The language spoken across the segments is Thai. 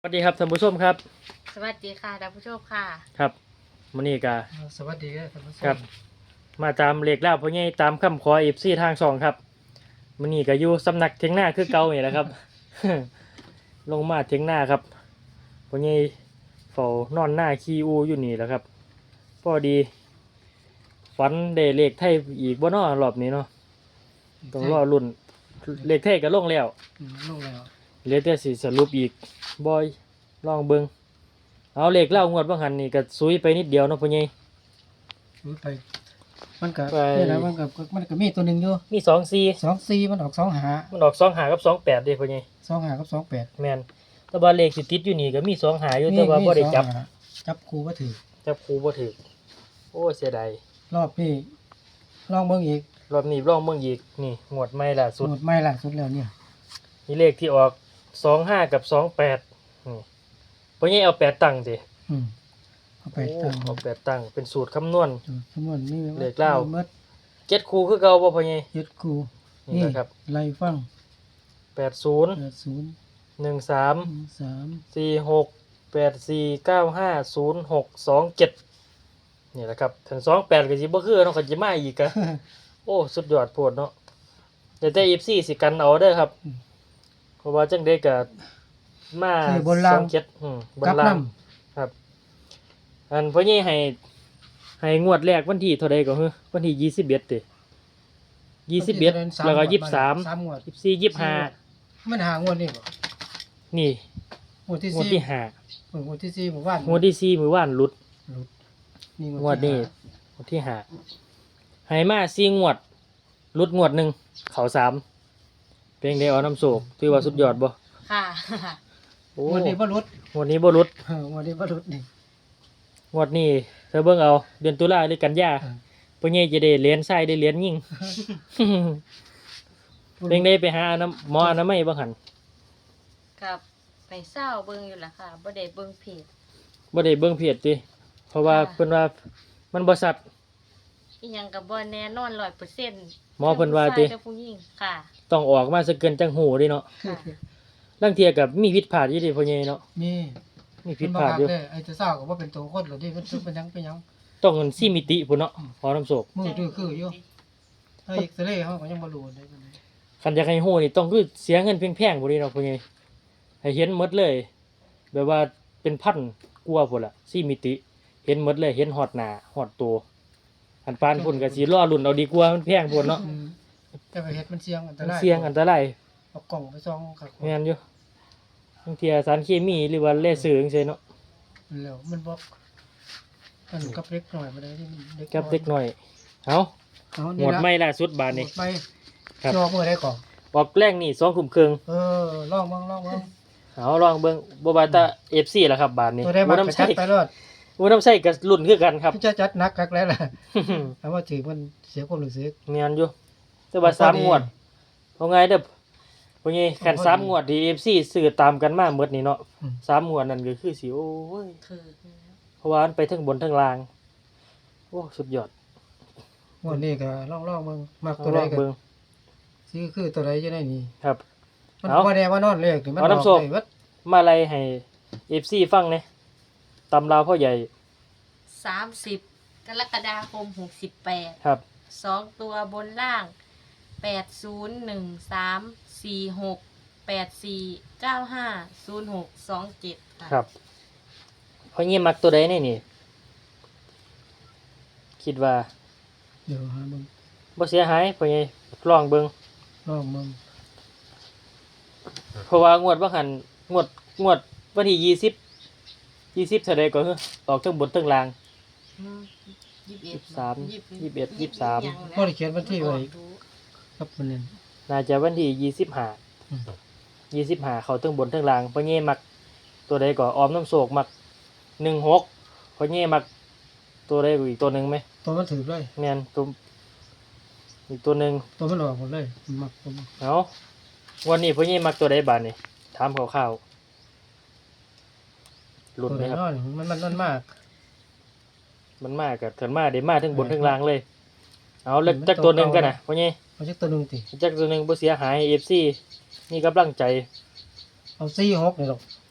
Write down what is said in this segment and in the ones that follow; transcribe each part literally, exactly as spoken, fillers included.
สวัสดีครับท่านผู้ชมครับสวัสดีค่ะท่านผู้ชมค่ะครับมื้อนี้ก็สวัสดีครับท่านผู้ชมครับมาตามเลขแล้วพ่อใหญ่ตามคำขอ เอฟ ซี ทางช่องครับมื้อนี้ก็อยู่สำนักเถียงนาคือเก่านี่แหละครับ ลงมาเถียงนาครับพ่อใหญ่เฝ้านอนหน้าขี้อูอยู่นี่แหละครับพอดีฝันได้เลขไทยอีกบ่น้อรอบนี้เนาะต้องรอลุ้นเลขไทยก็ลงแล้วอืมลงแล้วเหลือแต่สิสรุปอีกบ่อยลองเบิ่งเอาเลขเล่างวดบ่หันนี่ก็ซุยไปนิดเดียวเนาะพ่อใหญ่รู้ไป มันก็ไปนี่แหละมันก็มันก็มีตัวหนึ่งอยู่มีสองสี่สองสี่มันออกสองหามันออกสองหากับสองแปดเด้พ่อใหญ่สองหากับสองแปดแม่นแต่ว่าเลขสิติดอยู่นี่ก็มีสองหาอยู่แต่ว่าบ่ได้จับสองหาจับครูก็ถือจับครูบ่ถูกโอ้เสียดายรอบนี้ลองเบิ่งอีกรอบนี้ลองเบิ่งอีกนี่งวดใหม่ล่าสุดหมดไม่ล่ะสุดแล้วเนี่ยมีเลขที่ออกสองห้ากับสองแปดนี่พ่อใหญ่เอาแปดตั้งสิอืมเอาไปโอ้ตั้งเอาแปดตั้งเป็นสูตรคำนวณจุดคำนวณนี่เลขเล่าเมื่อเจ็ดครูคือเก่าบ่พ่อใหญ่ยึดครูนี่นี่นะครับไล่ฟังแปดศูนย์แปดศูนย์หนึ่งสามสามสี่หกแปดสี่เก้าห้าศูนย์หกสองเจ็ดนี่แหละครับถึงสองแปดก็สิบ่คือเนาะก็สิมาอีกอะ โอ้สุดยอดโพดเนาะแต่แต่ เอฟ ซี สิกันเอาเด้อครับเพราะว่าจังได้ก็มาคือบนล่างสองเจ็ดอืมบนกลับล่างนำครับ อันพ่อใหญ่ให้ให้งวดแรกวันที่เท่าใดก็คือวันที่ยี่สิบเอ็ดติยี่สิบเอ็ดแล้วก็ยี่สิบสามสามงวดยี่สิบสี่ยี่สิบห้ามันหางวดนี่บ่นี่งวดที่งวดสี่ที่ห้างวดที่สี่หมู่บ้านงวดที่สี่มื้อวานหลุดหลุดนี่งวดนี้งวดที่ห้าให้มาสี่งวดหลุดงวดหนึ่งเขาสามเพลงได้เอาน้ำโศกถือว่าสุดยอดบ่ค่ะโอ้งวดนี้บ่หลุดงวดนี้บ่หลุดเอองวดนี้บ่หลุดนี่งวดนี้เธอเบิ่งเอาเดือนตุลาหรือกันยาเออพ่อใหญ่จะได้เหรียญทรายได้เหรียญยิ่ง เพลงได้ไปหาน้ำหมออนามัยบ่หันกับไปเศร้าเบิ่งอยู่ล่ะค่ะบ่ได้เบิ่งเพจบ่ได้เบิ่งเพจติเพราะว่าค่ะเพิ่นว่ามันบ่ชัดอีหยังก็บ่แน่นอน ร้อยเปอร์เซ็นต์หมอเพิ่นว่าติเจ้าผู้หญิงค่ะต้องออกมาซะเกินจังหูเดิเนาะค่ะลางเที่ยก็มีผิดพลาดอยู่ดิพ่อใหญ่เนาะมีมีผิเพิ่ดนบ่พลาดคักอยู่เด้อไอ้เจ้าสาวก็บ่เป็นตัวคนหรอกดิเพิ่นเป็นหยังเป็นหยังต้องกันสี่มิติพุ่นเนาะขอน้ำโศกมือดื้อคืออยู่ถ้าเอ็กซเรย์เฮาก็ยังบ่รู้ได้ปานใดคันอยากให้ฮู้นี่ต้องคือเสียเงินแพงๆพุ่นนี่เนาะพ่อใหญ่ให้เห็นหมดเลย แบบว่าเป็นพันกว่าพุ่นล่ะสี่มิติ เห็นหมดเลยเห็นฮอดหน้าฮอดตัวอันปานพุ่นก็สิรอรุ่นเอาดีกว่ามันแพงพุ่นเนาะอืมแต่ไปเฮ็ดมันเสี่ยงอันตมันรายเสี่ยงอันตรายเอากล่องไปส่องคักแม่นอยู่บางเทีสารเคมีหรือว่าเลเซอร์จังซี่เนาะแล้วมันบ่มันกับเล็กหน่อยบ่ได้ที่มันเด็กกับเด็กน้อยเอาเอาหนี่มดล่ะไม่ล่าสุดบาดนี้หมดไปครับจอมือได้ก่อนออกแรงนี่สองทุ่มครึ่งเออลองเบิ่งลองเบิ่งเอาลองเบิ่งบ่ว่าแต่ เอฟ ซี ล่ะครับบาดนี้ตัวได้มาบ่กน้ำระใส่จัดไปรอดบ่น้ำใส่ก็รุ่นคือกันครับพี่จะจัดหนักกักแล้วล่ะแต่ว่าถือมันเสียความรู้สึกแม่นอยู่แต่ว่าสามงวดเอาไงเด้อพวกนี้คันสามงวดที่ เอฟ ซี ซื้อตามกันมาหมดนี่เนาะอืมสามงวดนั่นก็คือสิโอ้ยคือเพราะว่ามันไปทั้งบนทั้งล่างโอ้สุดยอดงวดนี้ก็ลองลองเบิ่งมักเอาตัวลใดองก็เบิ่งซื้อคือตัวใดจะได้นี่ครับมันเอาบ่แน่ว่านอนเลขนี่มันเอาน้ำกส้มได้เบิดมาไล่ให้ เอฟ ซี ฟังแหน่ตำราวพ่อใหญ่สามสิบกรกฎาคมหกสิบแปดครับสองตัวบนล่างแปดศูนย์หนึ่งสามสี่หกแปดสี่เก้าห้าศูนย์หกสองเจ็ดค่ะครับพ่อเงี้ยมักตัวใดแน่นี่ คิดว่าเดี๋ยวหาเบิ่งบ่เสียหายพ่อใหญ่ลองเบิ่งลองเบิ่งเพราะว่างวดบ่หันงวดงวดวันที่ยี่สิบ ยี่สิบเท่าใดก็คือออกทั้งบนทั้งล่างอืมยี่สิบเอ็ดสามยี่สิบเอ็ดยี่สิบสามบ่ได้เขียนวันที่ไว้ครับมันนั่นน่าจะวันที่ยี่สิบห้าอืมยี่สิบห้าเข้าทั้งบนทั้งล่างพ่อเงี้ยมักตัวใดก็ออมน้ำโศกมักหนึ่งหกพ่อเงี้ยมักตัวใดก็อีกตัวหนึงไหมตัวมันถือเลยแม่นตัวอีกตัวหนึงตัวมันออกหมดเลยมักตัวมันเอาวันนี้พ่อเงี้ยมักตัวใดบาดนี่ถามคร่าวๆหลุดตัวไหมไหนครับนอนมันมันมันมากมันมากกับถึงมาได้มาทั้งบนเออทั้งล่างเลย เอาเล็กมันจักตัวหนึ่งตัวเก่ากันนะพ่อเนี่ยเอาจักตัวหนึงติจักตัวหนึ่งบ่เสียหายเอฟซีนี่กำลังใจเอาสี่หกนี่หรอก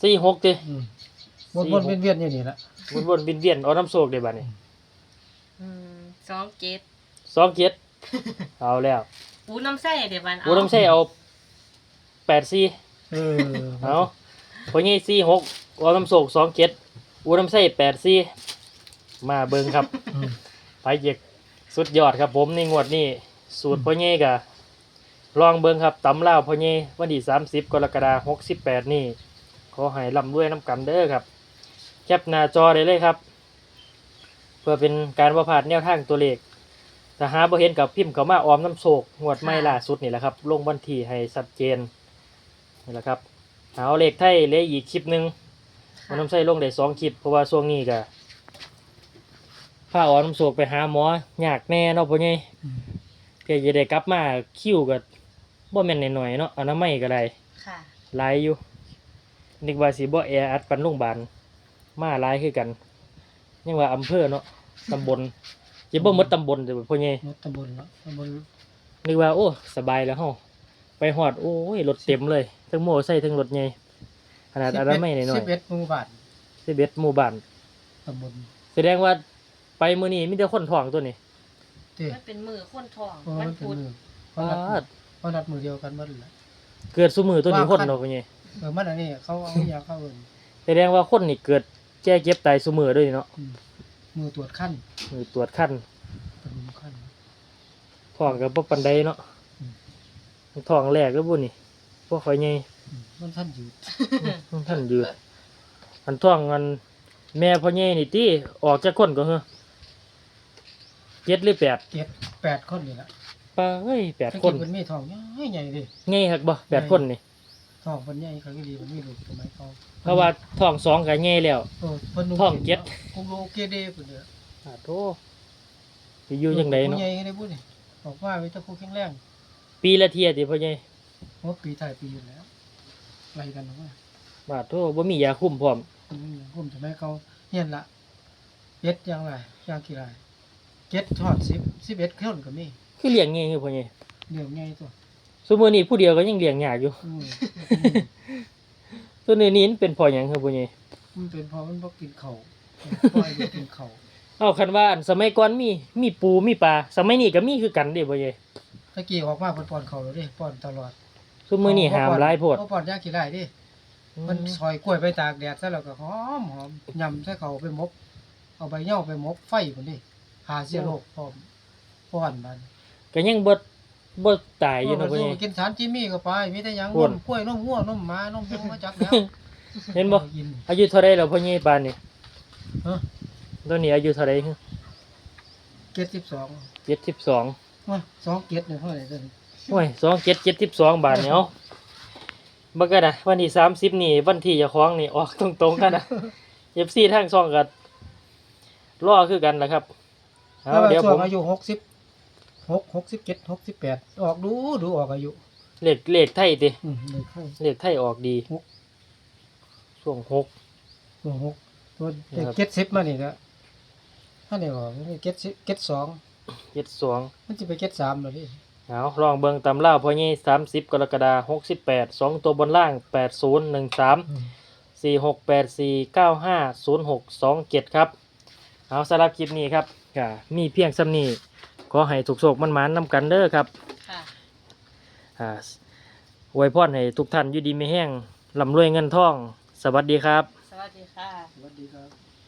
สี่หกติอืมวนวนเวียนๆอยู่นี่ละวนๆเวียนๆเอาน้ำโศกได้บัดนี้อืมสองเจ็ดสองเจ็ดเอาแล้วปูน้ำไส้เดี๋ยวบันกูต้องใช้เอาแปดสี่เออเอาพองี้สี่หกเอาน้ำโศกสองเจ็ดอูน้ำใส่แปดสี่มาเบิ่งครับอืมไปเยกสุดยอดครับผมในงวดนี้สูตรพ่อเย่กะลองเบิ่งครับตำล่าวพ่อเย่วันที่สามสิบกรกฎาคมหกสิบแปดนี่ขอให้ร่ำรวยน้ำกันเด้อครับแคปหน้าจอได้เลยครับ เพื่อเป็นการประพลาดแนวทางตัวเลขถ้าหาบ่เห็นกับพิมพ์เข้ามาออมน้ำโศกงวดไม่ล่าสุดนี่แหละครับ ลงวันที่ให้ชัดเจนนี่แหละครับเอาเลขไทยเหลยอีกคลิปหนึ่งมันน้ำใส่ลงได้สองคลิปเพราะว่าช่วงนี้ก็พาออมน้ำโศกไปหาหมอยากแน่เนาะพ่อใหญ่อืมเพื่อจะได้กลับมาคิวก็บ่แม่นหน่อยๆเนาะอนามัยก็ได้ค่ะหลายอยู่นึกว่าสิบ่แออัดปันโรงพยาบาลมาหลายคือกันยังว่าอำเภอเนาะตำบลจะบ่หมดตำบลแต่พ่อใหญ่รถตำบลละตำบลนึกว่าโอ้สบายแล้วเฮาไปฮอดโอ้ยรถเต็มเลยทั้งโมอไซค์ทั้งรถใหญ่ขนาดอนามัยน้อยสิบเอ็ดหมู่บ้านๆสิบเอ็ดหมู่บ้านตำบลแสดงว่าไปมื้อนี้มีแต่คนท้องตัวนี้เต้มันเป็นมือคนทองเพราะวัมัน นเป็นพุธมือเขานัดมือเขานัดมือเดียวกันหมดเลยเกิดซุมือตัวนี้คนเนาะพ่อใหญ่เออมันอันนี้เขาเอายาเข้าเอินแสดงว่าคนนี่เกิดแก้เจ็บตายซุมือด้วยเนาะอืมมือตรวจขั้นมือตรวจคันเป็นมือขั้นท้องก็บ่ปานใดเนาะอืมท้องแรกก็บ่นี่บ่ค่อยใหญ่อืมมันท่านอยู่ท่านยืดอันท้องอันแม่พ่อใหญ่นี่ติออกจากคนก็เหรอเจ็ดหรือแปดเจ็ดแปดคนนี่แหละปาเอ้ยแปดถ้าคกินนมันมีทองใหญ่ๆดิใหญ่ฮักบ่แปดคนนี่ทองมันใหญ่เขาก็ดีมันมีลูกสมัยเขาเพราะว่าท้องสองก็ใหญ่แล้วเออเพิ่นนุ่ท้องเจ็ดคงโลเกเดพุ่นเด้ออ่าโธ่สิอยู่จังไดเนาะผู้ใหญ่ก็ได้พูดนี่บอกว่าไว้ถ้าผู้แข็งแรงปีละเที่ยติพ่อใหญ่เพราะปีถ่ายปีอยู่แล้วไล่กันออกมาบาดโธ่บ่มียาคุมพร้อมอืมผมสมัยเขาเฮียนละเจ็ดอย่างไรอย่างกี่ไรเจ็ดทอดสิบสิบเอ็ดคนก็มีคือเลี้ยงง่ายคือพ่อใหญ่เรื่องง่ายตัวซุมื้อนี้ผู้เดียวก็ยังเลี้ยงยากอยู่อืมตัวนี้นี่มันเป็นพ่อหยังคือพ่อใหญ่มันเป็นเพราะมันบ่กินเขาวปล่อยบ่กินเขาวเอาคันว่าอันสมัยก่อนมีมีปูมีปลาสมัยนี้ก็มีคือกันเด้พ่อใหญ่ตะกี้ออกมาเพิ่นป้อนเขาวแล้วเด้ป้อนตลอดซุมื้อนี้หามหลายโพดบ่ป้อนยากี่ไรเดิมันซอยกล้วยไปตากแดดซะแล้วก็หอมหอมยำใส่เขาวไปหมก เอาใบเหย้าไปหมกไฟพุ่นดิหาเชื้อโรคพร้อมป้อนมันก็ยังบ่บ่ตายอยู่เนาะพ่อใหญ่กินสารจิมี่ก็ไปมีแต่หยังอ้นวนมกล้วยนมวัวนมหมานมหมูมาจักแล้วเห็นบ่กินอายุเท่าไรแล้วพ่อใหญ่ปานนี่ฮะตอนนี้อายุเท่าไรเจ็ดสิบสองเจ็ดสิบสองว่าสองเจ็ดเนี่ยเท่าไหร่ตัวนี้โอ้ยสองเจ็ดเจ็ดสิบสองบาทเนี่ยเอาบักกะนะวันที่สามสิบนี่วันที่เจะคล้าของนี่ออกตรงๆกันนะเอฟซีทางซองกันรอคือกันแหละครับเอาถ้าว่าเดี๋ยวช่ผวงมอายุหกสิบหกหกสิบเจ็ดหกสิบแปดออกดูดูออกอายุเลขเลขไทยติอืมเลยเข้าเลขไทยออกดีหกช่วงหกตัวหกตัวนะครับเจ็ดสิบมานี่ก็ถ้าเนี่ยบอกเจ็ดสิบเจ็ดสองเจ็ดสองมันจะไปเจ็ดสามเลยดิเอาลองเบิ่งตำล่าวพ่อใหญ่สามสิบกรกฎาหกสิบแปดสองตัวบนล่างแปดศูนย์หนึ่งสามอืมสี่หกแปดสี่เก้าห้าศูนย์หกสองเจ็ดครับเอาสำหรับคลิปนี้ครับก็มีเพียงซ้ำนี้ขอให้ถูกโศกมันหมานๆนำกันเด้อครับค่ะอ่าอวยพรให้ทุกท่านอยู่ดีไม่แห้งร่ำรวยเงินทอง สวัสดีครับสวัสดีค่ะสวัสดีครับ